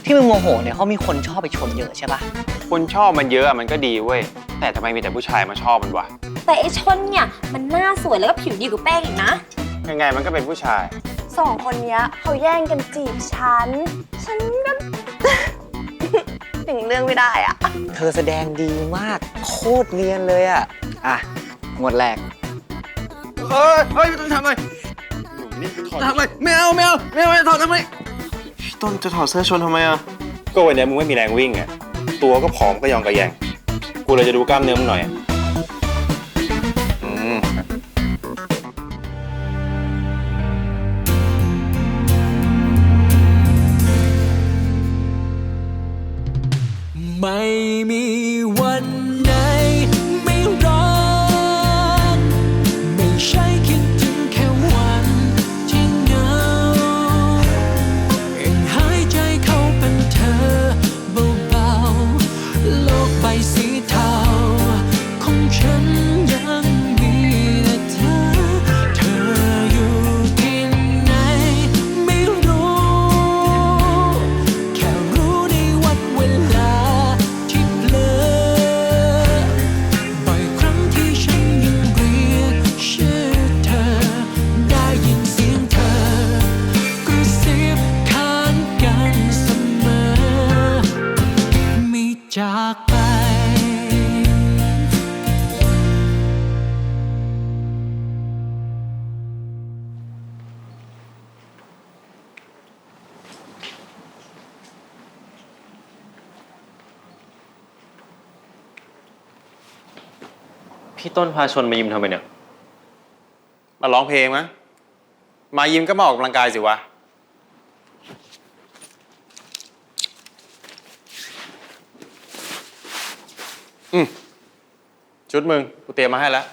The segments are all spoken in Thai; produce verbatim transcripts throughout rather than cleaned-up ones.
ที่มึงโมโหเนี่ยเขามีคนชอบไปชนเยอะใช่ปะคนชอบมันเยอะมันก็ดีเว้ยแต่ทำไมมีแต่ผู้ชายมาชอบมันวะแต่ไอชนเนี่ยมันหน้าสวยแล้วก็ผิวดีกว่าแป้งอีกนะยังไงมันก็เป็นผู้ชายสองคนเนี้ยเขาแย่งกันจีบฉันฉันก็ ถึงเรื่องไม่ได้อะเธอแสดงดีมากโคตรเนียนเลยอะอ่ะหมวดแรกเฮ้ยเฮ้ยไม่ต้องทำเลยทำเลยไม่เอาไม่เอาไม่เอาไม่ถอดทำไมพี่ต้นจะถอดเสื้อชนทำไมอ่ะก็วันนี้มึงไม่มีแรงวิ่งไงตัวก็ผอมก็ยองกระแยงกูเลยจะดูกล้ามเนื้อมึงหน่อยอืมไม่มีวันไหนไม่รักไม่ใช่คิดถึงแค่วันที่เหงาเองหายใจเข้าเป็นเธอเบาๆโลกใบสีเทาของฉันยังมีแต่เธอเธออยู่ที่ไหนไม่รู้แค่รู้ในวันเวลาบ่อยครั้งที่ฉันยังเรียกชื่อเธอได้ยินเสียงเธอกระซิบข้างกันเสมอไม่จากไปพี่ต้นพาชนมายิมทำไมเนี่ยมาร้องเพลงมั้ยมายิมก็มาออกกำลังกายสิวะอืมชุดมึงกูเตรียมมาให้แล้ว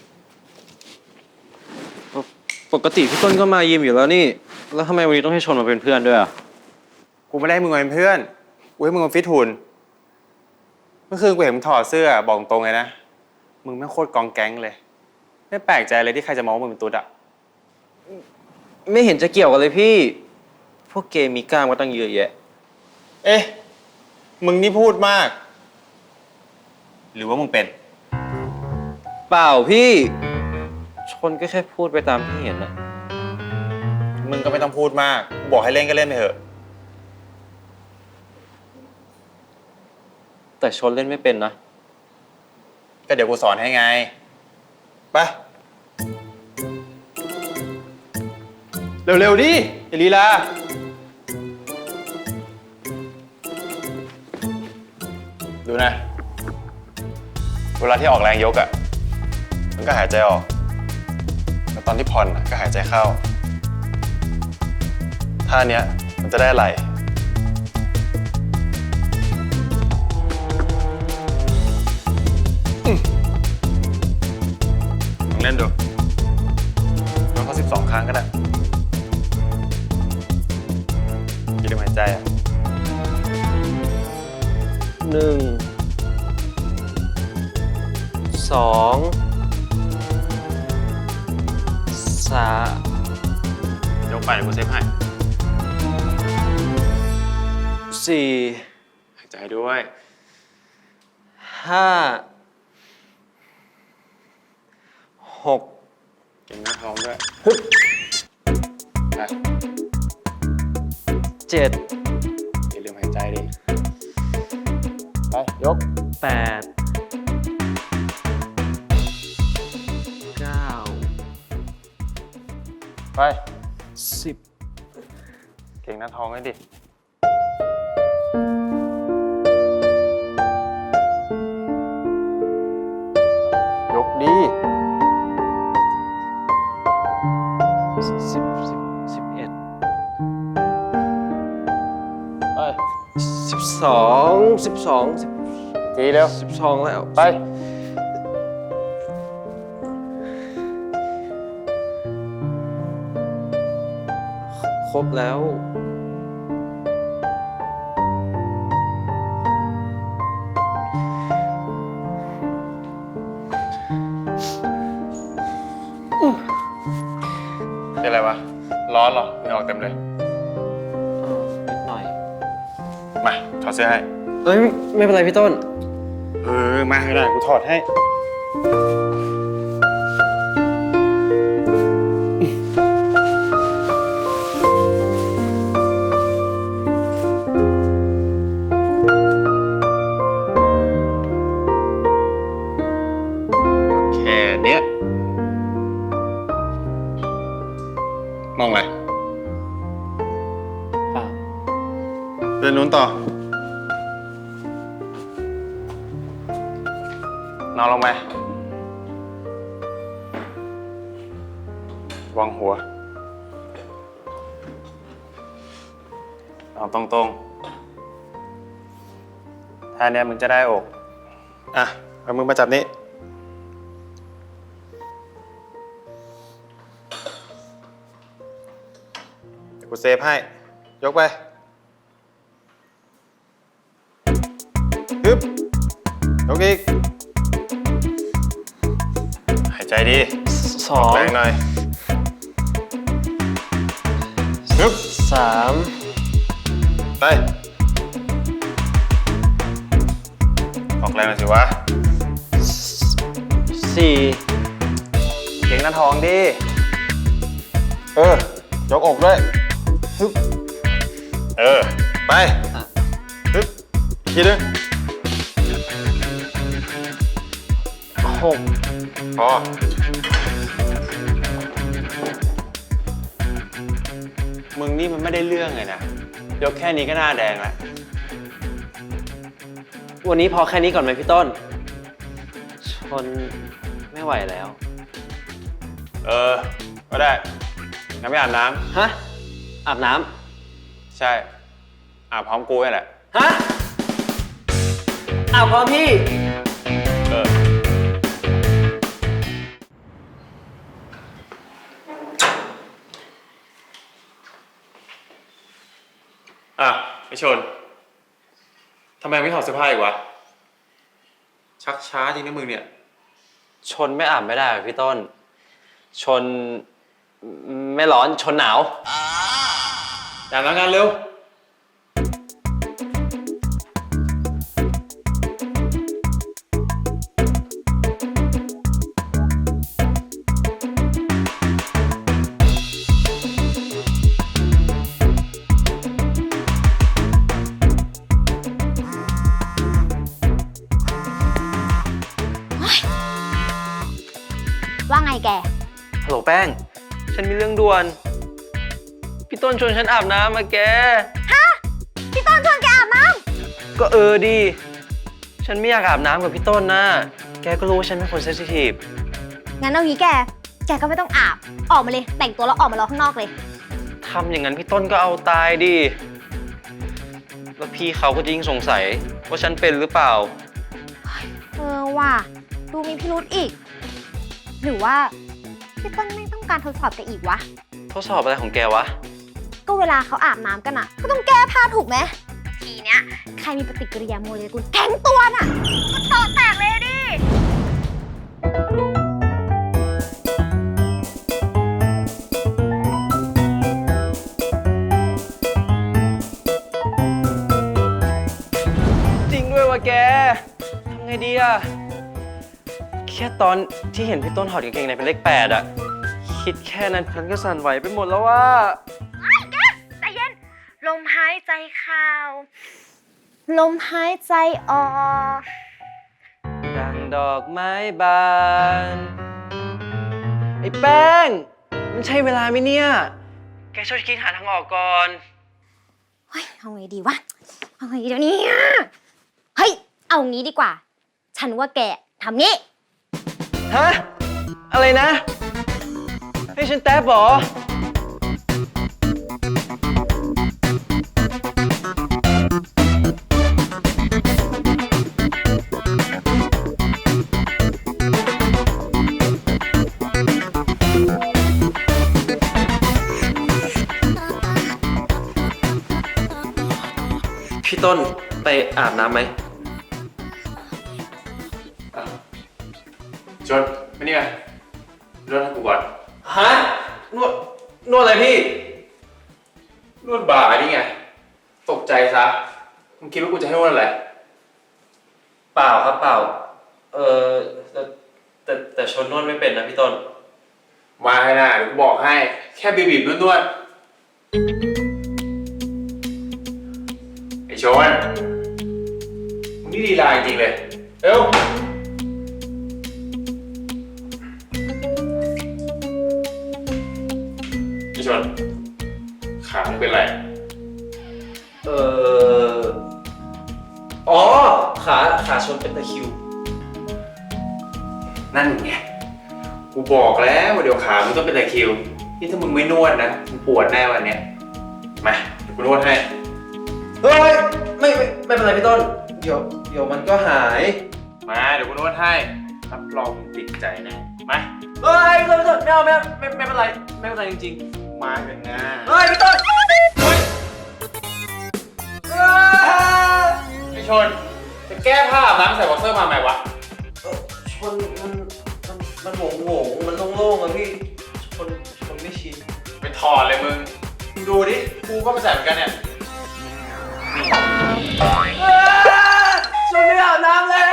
ปกติพี่ต้นก็มายิมอยู่แล้วนี่แล้วทำไมวันนี้ต้องให้ชนมาเป็นเพื่อนด้วยอ่ะกูไม่ได้ให้มึงมาเป็นเพื่อนกูให้มึงมาฟิตหุ่นเมื่อคืนกูเห็นมึงถอดเสื้อบอกตรงเลยนะมึงไม่โคตรกองแก๊งเลยไม่แปลกใจเลยที่ใครจะมองว่ามึงเป็นตุ๊ดอะไม่เห็นจะเกี่ยวกันเลยพี่พวกเกย์มีกล้ามก็ตั้งเยอะแยะเอ๊ะมึงนี่พูดมากหรือว่ามึงเป็นเปล่าพี่ชนก็แค่พูดไปตามที่เห็นนะมึงก็ไม่ต้องพูดมากกูบอกให้เล่นก็เล่นไปเถอะแต่ชนเล่นไม่เป็นนะก็เดี๋ยวกูสอนให้ไงไปเร็วๆดิอย่าลีลาดูนะเวลาที่ออกแรงยกอ่ะมันก็หายใจออกแล้วตอนที่ผ่อนก็หายใจเข้าท่าเนี้ยมันจะได้ไหลลองเล่นดูลองเข้าสิบสองครั้งก็ได้อย่าลืมหายใจอ่ะหนึ่งสองสามยกไปเดี๋ยวกูเซฟให้สี่หายใจด้วยห้าหกเก่งหน้าท้องด้วยไปเจ็ดอย่าลืมหายใจดิไปยกแปดเก้าไปสิบเก่งหน้าท้องให้ดิยกดีสิบสิบสิบเอ็ดไปสิบสองสิบสองสิบทีเร็วสิบสองแล้วไปครบแล้วเป็นอะไรวะร้อนเหรอเหงื่อออกเต็มเลยนิดหน่อยมาถอดเสื้อให้เอ้ยไม่เป็นไรพี่ต้นเออ มาก็ได้กูถอดให้ แค่เนี้ยมองอะไรเปล่าเดินนู้นต่อ นอนลงไปวางหัว นอนตรงๆท่าเนี้ยมึงจะได้อก อ่ะเอามือมาจับนี้ เดี๋ยวกูเซฟให้ ยกไปฮึบยกอีก หายใจดีสองแรงหน่อยฮึบสามไป ออกแรงหน่อยสิวะสี่เก่งหน้าท้องดิ เออ ยกอกด้วยฮึบเออ ไปฮึบอีกทีนึงหกพอ มึงนี่มันไม่ได้เรื่องเลยนะ ยกแค่นี้ก็หน้าแดงแล้ววันนี้พอแค่นี้ก่อนไหมพี่ต้น ชนไม่ไหวแล้วเออ ก็ได้งั้นไม่อาบน้ฮะ อาบน้ำ ใช่ อาบพร้อมกูนี่แหละำ ฮะ อาบพร้อมพี่เออ อ่ะไอชน ทำไมไม่ถอดเสื้อผ้าอีกวะ ชักช้าจริงนะมึงเนี่ยชนไม่อาบไม่ได้เหรอพี่ต้น ชนไม่ร้อนชนหนาวอย่าทำงานเร็วว่าไงแกฮัลโหลแป้ง ฉันมีเรื่องด่วน พี่ต้นชวนฉันอาบน้ำมาแกพี่ต้นชวนแกอาบน้ก็เออดี ฉันไม่อยากอาบน้ำกับพี่ต้นนะ แกก็รู้ว่าฉันเป็นคนเซนซิทีฟำงั้นเอางี้แก แกก็ไม่ต้องอาบ ออกมาเลย แต่งตัวแล้วออกมารอข้างนอกเลยทำอย่างนั้นพี่ต้นก็เอาตายดิ แล้วพี่เขาก็จะยิ่งสงสัยว่าฉันเป็นหรือเปล่าเออว่ะ ดูมีพิรุธอีก หรือว่าพี่ต้นไม่ต้องการทดสอบแกอีกวะทดสอบอะไรของแกวะก็เวลาเขาอาบน้ำกันอะก็ต้องแก้ผ้าถูกไหม ทีเนี้ยใครมีปฏิกิริยาโมเลกุลแข็งตัวน่ะก็ต่อแตกเลยดิจริงด้วยวะแก ทำไงดีอะแค่ตอนที่เห็นพี่ต้นถอดกางเกงในเป็นเลขแปดอะคิดแค่นั้นฉันก็สั่นไหวไปหมดแล้วว่าใจเย็น ลมหายใจเข้า ลมหายใจออกดังดอกไม้บาน ไอ้แป้ง มันใช่เวลาไหมเนี่ย แกช่วยคิดหาทางออกก่อนเฮ้ย เอาไงดีวะ เอาไงดีเดี๋ยวนี้เฮ้ย เอางี้ดีกว่า ฉันว่าแกทำงี้ฮะ อะไรนะ ให้ฉันแท็บเหรอ พี่ต้นไปอาบน้ำไหมชนมานี่ไงนวดให้กูก่อนฮะ นวด นวดอะไรพี่นวดบ่านี่ไง ตกใจซะมึงคิดว่ากูจะให้นวดอะไรเปล่าครับเปล่า เออแต่แต่แต่ชนนวดไม่เป็นนะพี่ต้นมาให้นะเดี๋ยวกูบอกให้ แค่บีบๆนวดๆไอชนมึงนี่ดีลายจริงเลย เร็วไอชนขามึงเป็นไรเอออ๋อ ขาขาชนเป็นตะคริวนั่นไง กูบอกแล้วว่าเดี๋ยวขามึงต้องเป็นตะคริว นี่ถ้ามึงไม่นวดนะมึงปวดแน่วันเนี้ยมาเดี๋ยวกูนวดให้เฮ้ยไม่ไม่ไม่เป็นไรพี่ต้น เดี๋ยวเดี๋ยวมันก็หายมาเดี๋ยวกูนวดให้ รับรองมึงติดใจแน่มาเฮ้ยพี่ต้นพี่ต้นไม่เอาไม่เอาไม่ไม่เป็นไรไม่เป็นไรจริงมาเถอะนะๆ เฮ้ยพี่ต้นเฮ้ยไอชน จะแก้ผ้าอาบน้ำใส่บ็อกเซอร์มาไหมวะเออชนมันมันมันโหงโหงมันโล่งๆอะพี่ชนชนไม่ชินไปถอดเลยมึง มึงดูดิ กูก็ไปใส่เหมือนกันเนี่ยชนไม่อาบน้ำแล้ว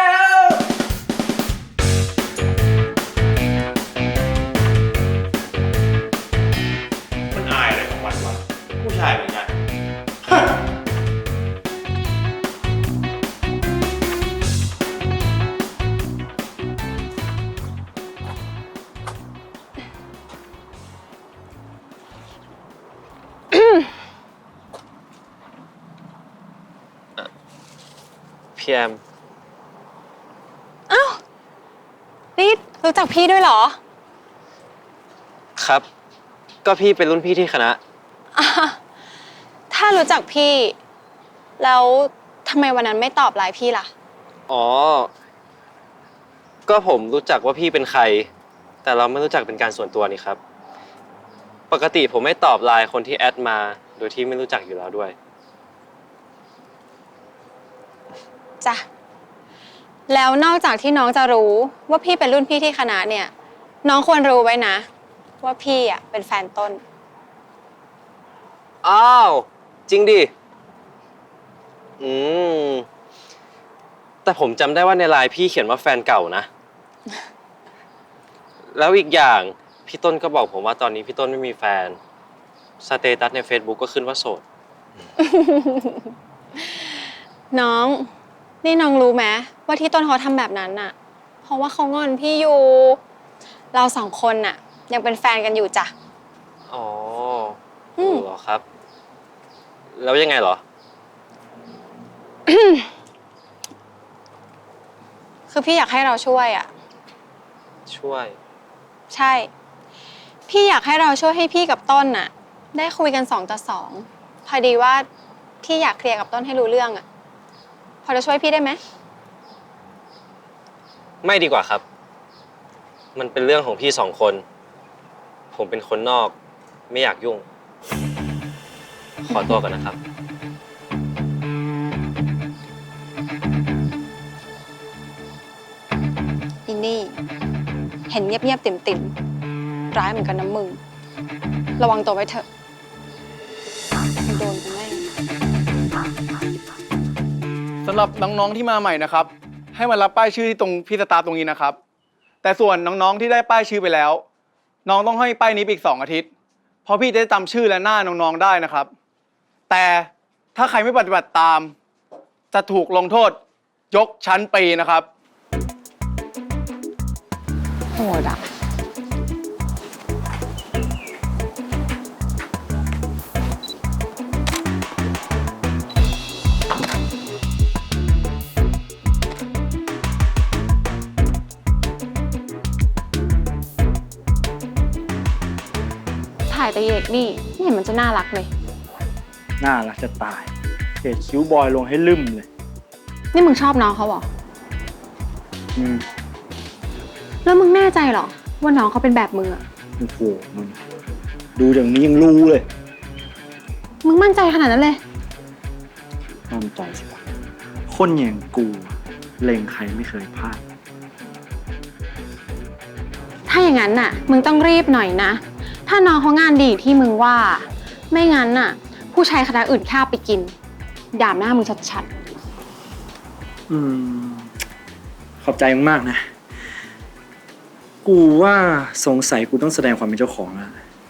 มันอายอะไรของมันวะ ผู้ชายเหมือนกันพี่แอมนี่รู้จักพี่ด้วยเหรอครับ ก็พี่เป็นรุ่นพี่ที่คณะอ่ะถ้ารู้จักพี่ แล้วทำไมวันนั้นไม่ตอบไลน์พี่ล่ะอ๋อ ก็ผมรู้จักว่าพี่เป็นใคร แต่เราไม่รู้จักเป็นการส่วนตัวนี่ครับ ปกติผมไม่ตอบไลน์คนที่แอดมา โดยที่ไม่รู้จักอยู่แล้วด้วยจ้ะ แล้วนอกจากที่น้องจะรู้ว่าพี่เป็นรุ่นพี่ที่คณะเนี่ย น้องควรรู้ไว้นะ ว่าพี่อ่ะเป็นแฟนต้นอ้าว จริงดิ อืม แต่ผมจำได้ว่าในไลน์พี่เขียนว่าแฟนเก่านะ แล้วอีกอย่างพี่ต้นก็บอกผมว่าตอนนี้พี่ต้นไม่มีแฟน สเตตัสใน Facebook ก็ขึ้นว่าโสดน้อง นี่น้องรู้ไหมว่าที่ต้นเขาทำแบบนั้นน่ะ เพราะว่าเขางอนพี่อยู่ เราสองคนน่ะ ยังเป็นแฟนกันอยู่จ้ะอ๋ออืมเหรอครับ แล้วยังไงเหรอคือพี่อยากให้เราช่วยอ่ะช่วยใช่ พี่อยากให้เราช่วยให้พี่กับต้นน่ะ ได้คุยกันสองต่อสองพอดีว่าพี่อยากเคลียร์กับต้นให้รู้เรื่องอ่ะ พอจะช่วยพี่ได้ไหมไม่ดีกว่าครับ มันเป็นเรื่องของพี่สองคน ผมเป็นคนนอก ไม่อยากยุ่ง ขอตัวก่อนนะครับอินนี่ เห็นเงียบๆติ่มๆร้ายเหมือนกันนะมึง ระวังตัวไว้เถอะมันโดนกูแน่สำหรับน้องๆที่มาใหม่นะครับ ให้มารับป้ายชื่อที่ตรงพี่สตาร์ตรงนี้นะครับ แต่ส่วนน้องๆที่ได้ป้ายชื่อไปแล้ว น้องต้องให้ป้ายนี้ไปอีกสองอาทิตย์เพราะพี่จะได้จำชื่อและหน้าน้องๆได้นะครับ แต่ถ้าใครไม่ปฏิบัติตาม จะถูกลงโทษยกชั้นปีนะครับโหดอ่ะ ถ่ายแต่เอกนี่ไม่เห็นมันจะน่ารักเลยน่ารักจะตายเกรดคิ้วบอยลงให้ลืมเลยนี่มึงชอบน้องเขาเหรออืมแล้วมึงแน่ใจเหรอ ว่าน้องเขาเป็นแบบมึงอะโอ้โหมึงดูอย่างนี้ยังรู้เลยมึงมั่นใจขนาดนั้นเลยมั่นใจสิวะคนอย่างกูเล็งใครไม่เคยพลาดถ้าอย่างนั้นน่ะ มึงต้องรีบหน่อยนะ ถ้าน้องเขางานดีที่มึงว่า ไม่งั้นน่ะ ผู้ชายคณะอื่นข้าไปกินด่าหน้ามึงชัดอืม ขอบใจมึงมากนะ กูว่าสงสัยกูต้องแสดงความเป็นเจ้าของแล้ว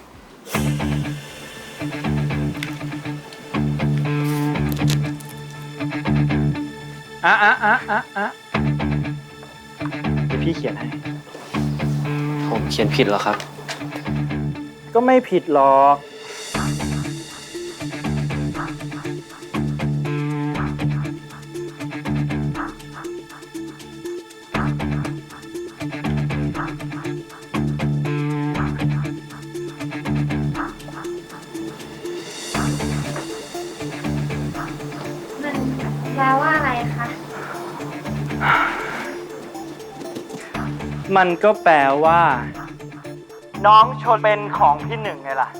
อ่ะอ่ะอ่ะอ่ะอ่ะเดี๋ยวพี่เขียนให้ผมเขียนผิดเหรอครับก็ไม่ผิดหรอกมันแปลว่าอะไรคะมันก็แปลว่า น้องชนเป็นของพี่หนึ่งไงล่ะ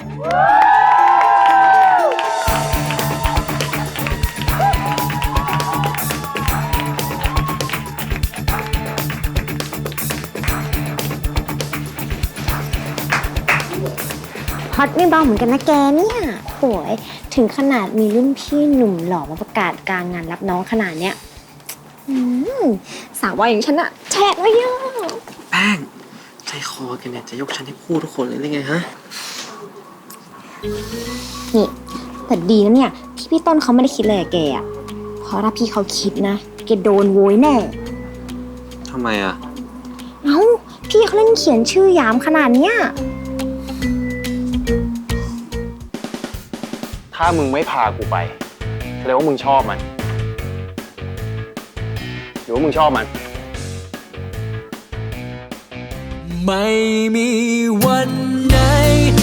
ฮอตไม่เบาเหมือนกันนะแกเนี่ยโหยถึงขนาดมีรุ่นพี่หนุ่มหล่อมาประกาศกลางงานรับน้องขนาดเนี้ยอืมสาววายอย่างฉันอะแฉะไว้เยอะแป้ง ใจคอแกเนี่ยจะยกฉันให้คู่ทุกคนเลยหรือไงฮะนี่แต่ดีนะเนี่ยที่พี่ต้นเขาไม่ได้คิดเลยอะแกอะเพราะถ้าพี่เขาคิดนะแกโดนโวยแน่ทำไมอ่ะเอ้าพี่เขาเล่นเขียนชื่อยามขนาดเนี้ยถ้ามึงไม่พากูไปแสดงว่ามึงชอบมัน หรือว่ามึงชอบมันไม่มีวันไหน